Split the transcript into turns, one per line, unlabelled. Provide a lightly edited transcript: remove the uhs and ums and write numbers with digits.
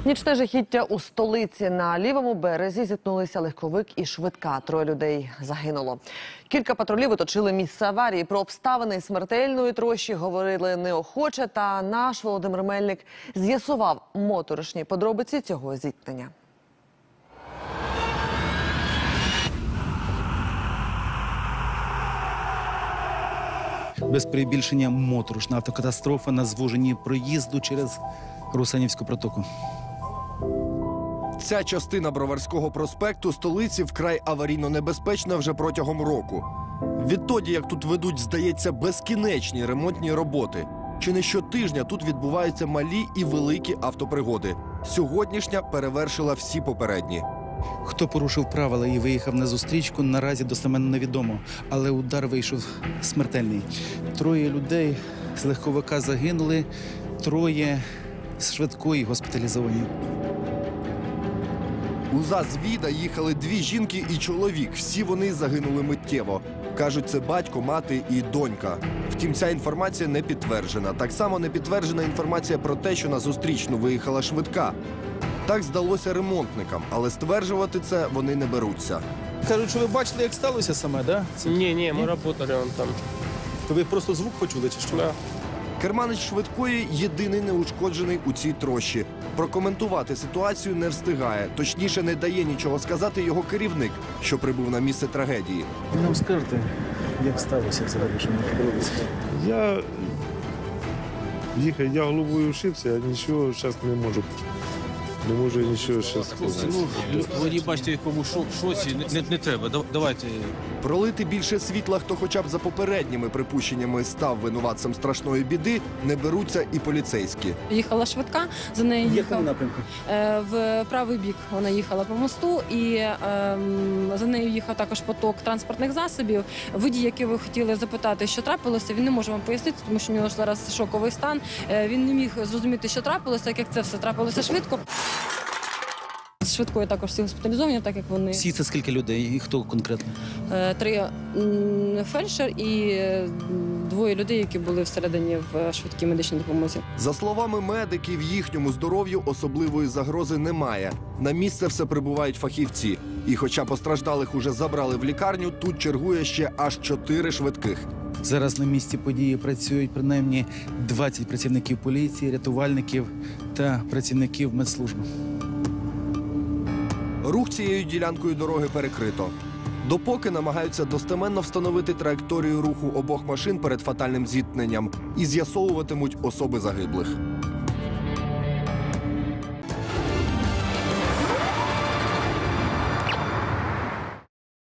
Нічне жахіття у столиці. На лівому березі зіткнулися легковик і швидка. 3 людей загинуло. Кілька патрулів оточили місце аварії. Про обставини смертельної трощі говорили неохоче, та наш Володимир Мельник з'ясував моторошні подробиці цього зіткнення.
Без перебільшення моторошна автокатастрофа на звуженні проїзду через Русанівську протоку.
Ця частина Броварського проспекту столиці вкрай аварійно небезпечна вже протягом року. Відтоді, як тут ведуть, здається, безкінечні ремонтні роботи. Чи не щотижня тут відбуваються малі і великі автопригоди. Сьогоднішня перевершила всі попередні.
Хто порушив правила і виїхав на зустрічку, наразі достеменно невідомо. Але удар вийшов смертельний. 3 людей з легковика загинули, 3 з швидкої госпіталізовані.
У ЗАЗ-Віда їхали 2 жінки і чоловік. Всі вони загинули миттєво. Кажуть, це батько, мати і донька. Втім, ця інформація не підтверджена. Так само не підтверджена інформація про те, що на зустрічну виїхала швидка. Так здалося ремонтникам, але стверджувати це вони не беруться.
Кажуть, що ви бачили, як сталося саме, так? Да?
Ні, ми працювали там.
То ви просто звук почули, чи що?
Да.
Керманич швидкої єдиний неушкоджений у цій трощі. Прокоментувати ситуацію не встигає. Точніше, не дає нічого сказати його керівник, що прибув на місце трагедії.
Ви нам скажете, як сталося взагалі, що не подивилися?
Я їхав, я головою ушибся, я нічого зараз не можу. Не можу нічого зараз сказати.
Ви не бачите, в якому шоці, не треба, давайте.
Пролити більше світла, хто хоча б за попередніми припущеннями став винуватцем страшної біди, не беруться і поліцейські.
Їхала швидка, за нею
В
їхав
якому напрямку?
в правий бік. Вона їхала по мосту, і за нею їхав також поток транспортних засобів. Водій, який ви хотіли запитати, що трапилося, він не може вам пояснити, тому що у нього зараз шоковий стан. Він не міг зрозуміти, що трапилося, так як це все трапилося швидко. З швидкою також всі госпіталізовані, так як вони.
Всі це скільки людей і хто конкретно?
3 фельдшер і 2 людей, які були всередині в швидкій медичній допомозі.
За словами медиків, їхньому здоров'ю особливої загрози немає. На місце все прибувають фахівці. І хоча постраждалих уже забрали в лікарню, тут чергує ще аж 4 швидких.
Зараз на місці події працюють принаймні 20 працівників поліції, рятувальників та працівників медслужби.
Рух цією ділянкою дороги перекрито. Допоки намагаються достеменно встановити траєкторію руху обох машин перед фатальним зіткненням і з'ясовуватимуть особи загиблих.